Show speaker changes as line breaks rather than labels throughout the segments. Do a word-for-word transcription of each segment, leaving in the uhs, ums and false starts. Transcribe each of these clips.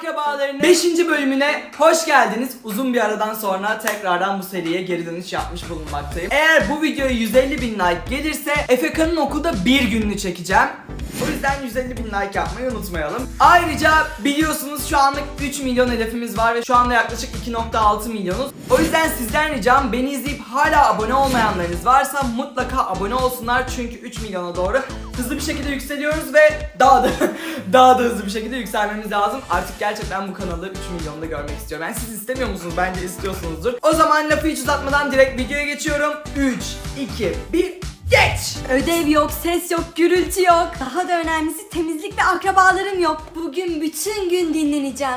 Akrabalarının beşinci bölümüne hoş geldiniz. Uzun bir aradan sonra tekrardan bu seriye geri dönüş yapmış bulunmaktayım. Eğer bu videoya yüz elli bin like gelirse Efeka'nın okulda bir gününü çekeceğim. O yüzden yüz elli bin like yapmayı unutmayalım. Ayrıca biliyorsunuz şu anlık üç milyon hedefimiz var ve şu anda yaklaşık iki nokta altı milyonuz. O yüzden sizden ricam, beni izleyip hala abone olmayanlarınız varsa mutlaka abone olsunlar. Çünkü üç milyona doğru hızlı bir şekilde yükseliyoruz ve daha da daha da hızlı bir şekilde yükselmemiz lazım. Artık gerçekten bu kanalı üç milyonda görmek istiyorum. Yani siz istemiyor musunuz? Bence istiyorsunuzdur. O zaman lafı hiç uzatmadan direkt videoya geçiyorum. üç, iki, bir, geç!
Ödev yok, ses yok, gürültü yok. Daha da önemlisi temizlik ve akrabalarım yok. Bugün bütün gün dinleneceğim.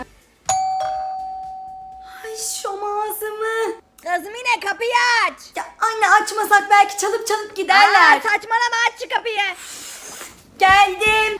Ay şom ağzımı.
Kızım yine kapıyı aç.
Ya anne, açmasak belki çalıp çalıp giderler.
Aa, saçmalama, aç şu kapıyı.
Geldim.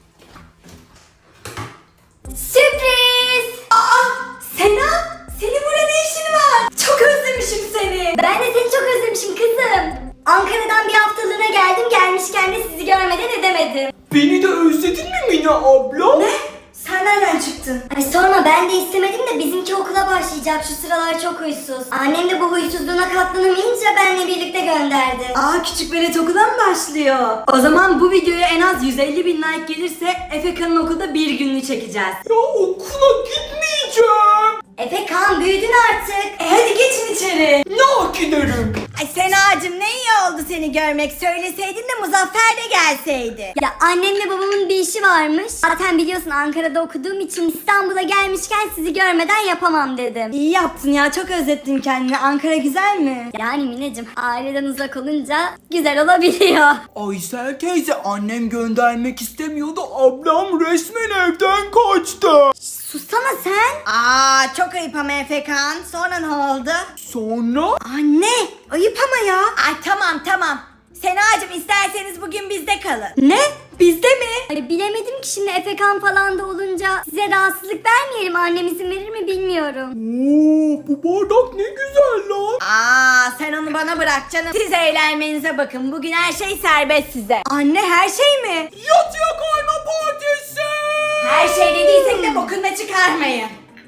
Sürpriz. Aa, Sena, senin burada ne işin var? Çok özlemişim seni.
Ben de seni çok özlemişim kızım. Ankara'dan bir haftalığına geldim, gelmişken de sizi görmeden edemedim.
Beni de özledin mi Mina abla?
Ne? Sen nereden çıktın?
Ay sorma, ben de istemedim de bizimki okula başlayacak, şu sıralar çok huysuz. Annem de bu huysuzluğuna katlanamayınca benle birlikte gönderdi.
Aa, küçük velet okula mı başlıyor? O zaman bu videoya en az yüz elli bin like gelirse Efeka'nın okulda bir gününü çekeceğiz.
Ya okula gitmeyeceğim.
Efe Kaan, büyüdün artık.
E hadi geçin içeri.
Ne giderim?
Ay Senacığım, ne iyi oldu seni görmek. Söyleseydin de Muzaffer de gelseydi.
Ya annemle babamın bir işi varmış. Zaten biliyorsun, Ankara'da okuduğum için İstanbul'a gelmişken sizi görmeden yapamam dedim.
İyi yaptın ya, çok özlettin kendini. Ankara güzel mi?
Yani Mineciğim, aileden uzak olunca güzel olabiliyor.
Aysel teyze, annem göndermek istemiyordu. Ablam resmen evden kaçtı.
Sussana sen.
Aa, çok ayıp ama Efekan. Sonra ne oldu?
Sonra?
Anne, ayıp ama ya. Ay tamam tamam. Senacığım, isterseniz bugün bizde kalın.
Ne? Bizde mi?
Ay, bilemedim ki şimdi Efekan falan da olunca size rahatsızlık vermeyelim. Annem izin verir mi bilmiyorum.
Oo, bu bardak ne güzel lan.
Aa, sen onu bana bırak canım. Siz eğlenmenize bakın. Bugün her şey serbest size.
Anne, her şey mi?
Yatıya kayma partisi.
Her şey dediysek de bokunu çıkarmayın.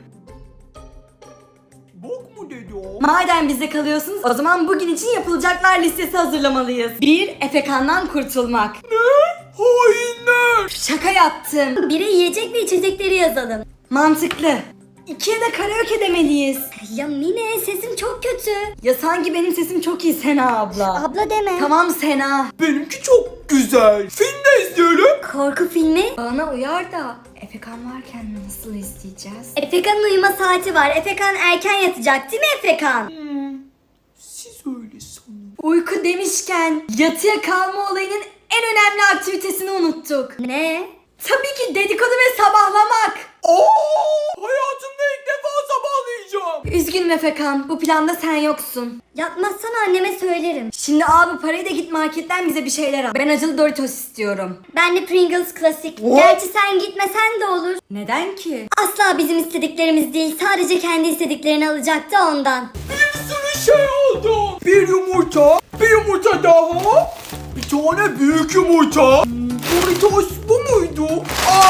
Bok mu dedi o?
Madem bizde kalıyorsunuz, o zaman bugün için yapılacaklar listesi hazırlamalıyız. bir. Efekan'dan kurtulmak.
Ne? Hainler.
Şaka yaptım.
Bire yiyecek ve içecekleri yazalım.
Mantıklı. ikiye de karaoke demeliyiz.
Ya Mine, sesim çok kötü.
Ya sanki benim sesim çok iyi Sena abla.
Abla deme.
Tamam Sena.
Benimki çok güzel. Film de izleyelim.
Korku filmi.
Bana uyar da Efekan varken nasıl izleyeceğiz?
Efekan'ın uyuma saati var. Efekan erken yatacak değil mi Efekan?
Siz öyle sanın.
Uyku demişken yatıya kalma olayının en önemli aktivitesini unuttuk.
Ne?
Tabii ki dedikodu ve sabahlamak.
Oo, hayatımda ilk defa sabahlayacağım.
Üzgünüm Efekan, bu planda sen yoksun.
Yapmazsan anneme söylerim.
Şimdi abi parayı da git marketten bize bir şeyler al. Ben acılı Doritos istiyorum.
Ben de Pringles klasik.
Oh.
Gerçi sen gitmesen de olur.
Neden ki?
Asla bizim istediklerimiz değil. Sadece kendi istediklerini alacaktı ondan.
Bir sürü şey oldu. Bir yumurta, bir yumurta daha, bir tane büyük yumurta. Hmm, Doritos bu muydu? Aa,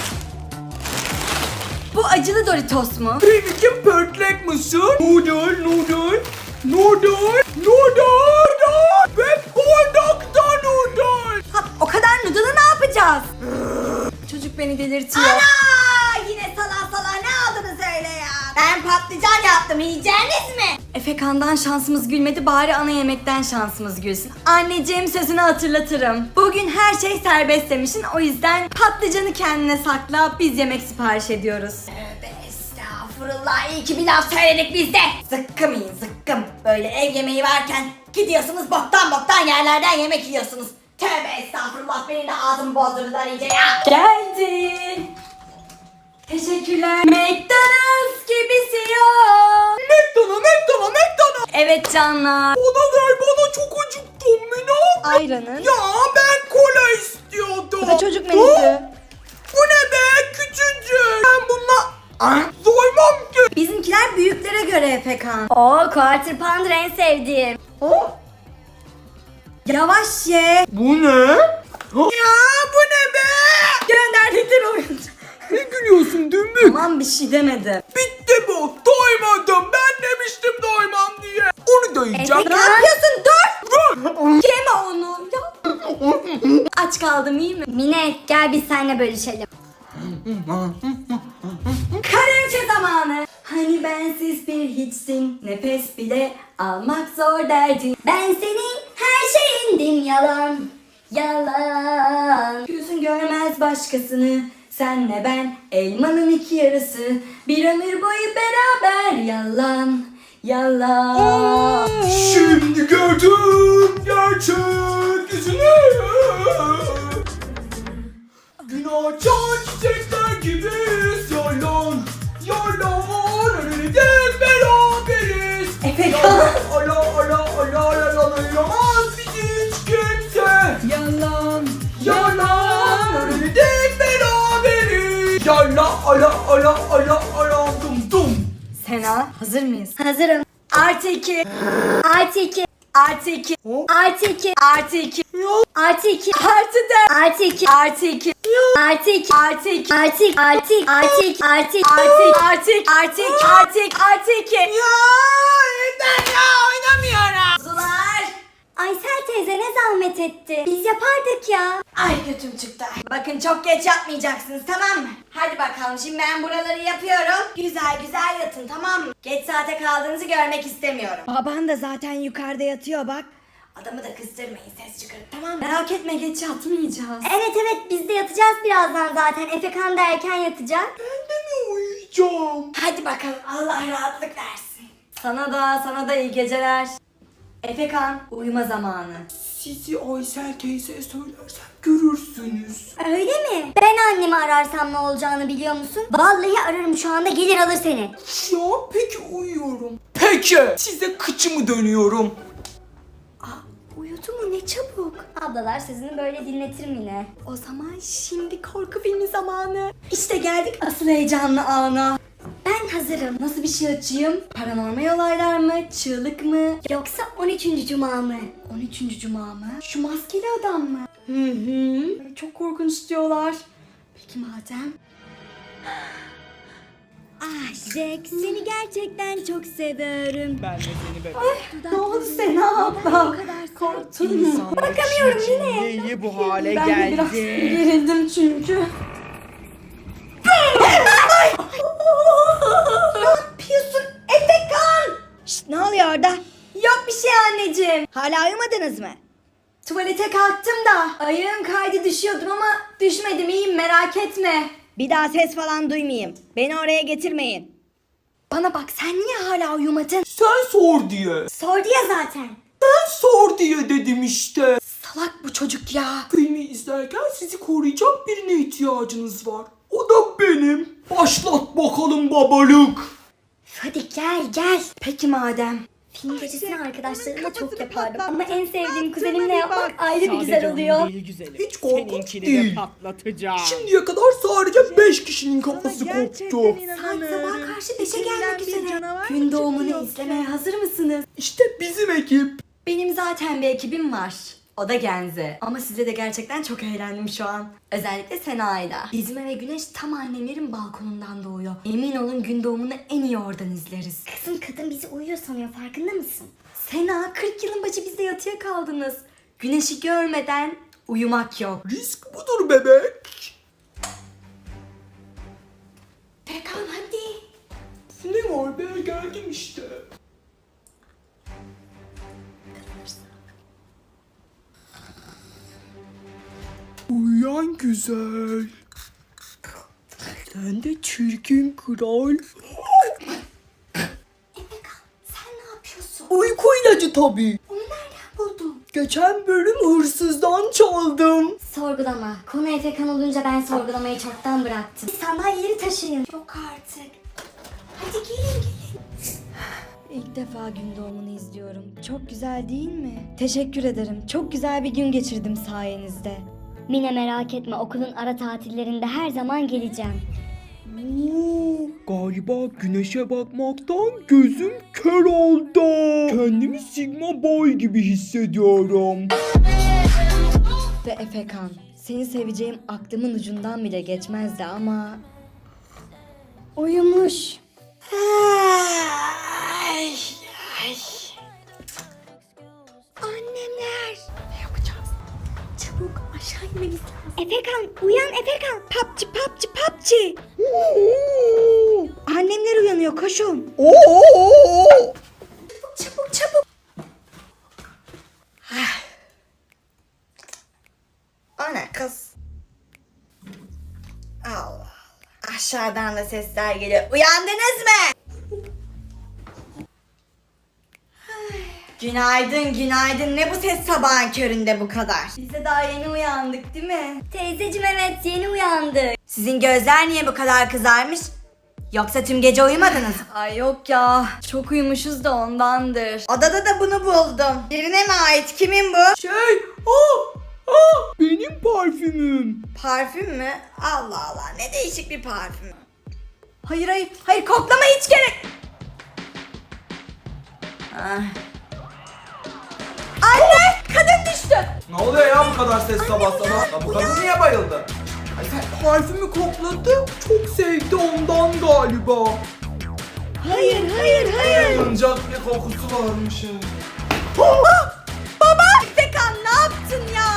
Bu acılı Doritos mu?
benimki pörtlek mısır, noodle, noodle, noodle, noodle ve bardakta noodle.
Ha, o kadar noodle'ı ne yapacağız? Çocuk beni delirtiyor.
Ana! Yine salak salak ne aldınız öyle ya? Ben patlıcan yaptım, yiyeceğiniz mi?
Efekan'dan şansımız gülmedi, bari ana yemekten şansımız gülsün. Anneciğim, sözünü hatırlatırım. Bugün her şey serbest demişsin, o yüzden patlıcanı kendine sakla, biz yemek sipariş ediyoruz.
Tövbe estağfurullah, iyi ki bir laf söyledik biz de. Zıkkım yiyin zıkkım. Böyle ev yemeği varken gidiyorsunuz boktan boktan yerlerden yemek yiyorsunuz. Tövbe estağfurullah, benim de ağzımı bozdurdular iyice ya.
Geldi. Teşekkürler. McDonald's gibisi yok.
McDonald's, McDonald's, McDonald's.
Evet canlar.
Bana ver, bana çok acıktım Mina.
Ayranın.
Ya ben kola istiyordum.
Bu da çocuk
Hı?
menüsü.
Bu ne be, küçücük. Ben bununla ah, doymam ki.
Bizimkiler büyüklere göre Efekan.
Oo, Quarter Pounder en sevdiğim.
Ha?
Yavaş ye.
Bu ne? Ha? Ya bu ne be?
Gönderdikleri oyuncak.
Ne gülüyorsun dümbük?
Tamam bir şey demedim.
Bitti bu. Doymadım. Ben demiştim doymam diye. Onu da yiyeceğim.
Ne yapıyorsun? Dur. Yeme onu. Ya. Aç kaldım iyi mi?
Mine gel biz seninle bölüşelim.
Karaoke zamanı. Hani bensiz bir hiçsin. Nefes bile almak zor derdin.
Ben senin her şeyindim yalan. Yalan.
Gözün görmez başkasını. Senle ben elmanın iki yarısı. Bir ömür boyu beraber yalan. Yalan.
Şimdi gördüm gerçek yüzünü. Gün açan çiçekler gibiyiz. Yalan, yalan. Ölürüz beraberiz.
Efekan.
Ala ala ala ala anlayamaz bizi hiç kimse.
Yalan.
Yalan. Ölürüz beraberiz. Yala ala ala ala ala dum dum.
Sena hazır mıyız?
Hazırım.
Artı iki.
Artı iki.
Artı iki.
Artı iki.
Artı iki.
Artı iki.
Artı dört.
Artı iki.
Artı iki.
Artı iki.
Artı iki.
Artı iki. Artı iki. Artı iki. Artı iki.
Artı iki. Artı iki. Artı iki. Artı iki. Artı iki.
Ya yeter ya oynamıyorum.
Kuzular.
Aysel teyze ne zahmet etti. Biz yapardık ya.
Ay götüm çıktı. Bakın çok geç yatmayacaksınız tamam mı? Hadi bakalım şimdi ben buraları yapıyorum. Güzel güzel yatın tamam mı? Geç saate kaldığınızı görmek istemiyorum. Baban da zaten yukarıda yatıyor bak. Adamı da kızdırmayın ses çıkarıp tamam mı? Merak etme geç yatmayacağız.
Evet evet biz de yatacağız birazdan zaten. Efekan da erken yatacak.
Ben de mi uyuyacağım?
Hadi bakalım Allah rahatlık versin. Sana da sana da iyi geceler. Efekan uyuma zamanı.
Sizi Aysel teyzeye söylersem görürsünüz.
Öyle mi? Ben annemi ararsam ne olacağını biliyor musun? Vallahi ararım şu anda gelir alır seni.
Ya peki uyuyorum. Peki size kıçımı dönüyorum.
Uyudu mu ne çabuk.
Ablalar sözünü böyle dinletirim yine.
O zaman şimdi korku filmi zamanı. İşte geldik asıl heyecanlı ana.
Ben hazırım.
Nasıl bir şey açayım? Paranormal olaylar mı? Çığlık mı?
Yoksa on üçüncü cuma mı?
on üçüncü cuma mı? Şu maskeli adam mı? Hı hı. Çok korkunç diyorlar. Peki madem.
Ah Jack seni gerçekten çok seviyorum.
Ben de seni bekliyorum.
Ne oldu Sena abla? Korktun mu?
Bakamıyorum yine.
Niye bu hale
Ben de biraz
geldi?
gerildim çünkü. Ne yapıyorsun Efekan?
Şşt, ne oluyor orada?
Yok bir şey anneciğim.
Hala uyumadınız mı?
Tuvalete kalktım da ayağım kaydı düşüyordum ama düşmedim iyiyim merak etme.
Bir daha ses falan duymayayım. Beni oraya getirmeyin.
Bana bak sen niye hala uyumadın?
Sen sor diye.
Sordu ya zaten.
Ben sor diye dedim işte.
Salak bu çocuk ya.
Filmi izlerken sizi koruyacak birine ihtiyacınız var. O da benim. Başlat bakalım babalık.
Hadi gel gel.
Peki madem.
Film gecesini arkadaşlarımla çok yapardım. Ama en sevdiğim kuzenimle yapmak ayrı bir güzel oluyor.
Hiç korkunç
Seninkini
değil.
de patlatacağım.
Şimdiye kadar sadece beş kişinin kafası koptu.
Saat sabah karşı beşe gelmek üzere. Gün doğumunu izlemeye hazır mısınız?
İşte bizim ekip.
Benim zaten bir ekibim var. O da Genze. Ama size de gerçekten çok eğlendim şu an. Özellikle Sena'yla. Bizim eve güneş tam annemlerin balkonundan doğuyor. Emin olun gün doğumunu en iyi oradan izleriz.
Kızım kadın bizi uyuyor sanıyor farkında mısın?
Sena kırk yılın başı bizde yatıya kaldınız. Güneşi görmeden uyumak yok.
Risk budur bebek.
Pekan hadi.
Ne var be geldim işte. Uyan güzel. Sen de çirkin kral.
Sen ne yapıyorsun?
Uyku ilacı tabii.
Onu nereden buldun?
Geçen bölüm hırsızdan çaldım.
Sorgulama. Konu Efekan olunca ben sorgulamayı çoktan bıraktım. Sandalyeleri taşıyın.
Yok artık. Hadi gelin gelin. İlk defa gün doğumunu izliyorum. Çok güzel değil mi? Teşekkür ederim. Çok güzel bir gün geçirdim sayenizde.
Mine merak etme okulun ara tatillerinde her zaman geleceğim.
Oo, galiba güneşe bakmaktan gözüm kör oldu. Kendimi Sigma Boy gibi hissediyorum.
Ve Efekan, seni seveceğim aklımın ucundan bile geçmezdi ama...
Uyumuş.
Ay, ay. Annemler. Ne yapacağız? Çabuk aşağı inmemiz lazım.
Efekan uyan Efekan.
Papçı papçı papçı. Annemler uyanıyor koşun. Çabuk çabuk. Ah. O ne kız? Allah Allah. Aşağıdan da sesler geliyor. Uyandınız mı? Günaydın günaydın. Ne bu ses sabahın köründe bu kadar? Biz de daha yeni uyandık değil mi?
Teyzeciğim evet yeni uyandı.
Sizin gözler niye bu kadar kızarmış? Yoksa tüm gece uyumadınız mı? Ay yok ya. Çok uyumuşuz da ondandır. Odada da bunu buldum. Birine mi ait? Kimin bu?
Şey, aa, aa, benim parfümüm.
Parfüm mü? Allah Allah. Ne değişik bir parfüm. Hayır hayır. Hayır koklama hiç gerek. Ah. Anne! Kadın düştü.
Ne oluyor ya bu kadar ses sabah sabah? Ya bu kadın niye bayıldı? Ay sen parfümü kokladı, çok sevdi ondan galiba.
Hayır hayır hayır.
Yanacak bir kokusu varmış.
Baba! Baba! Efekan ne yaptın ya?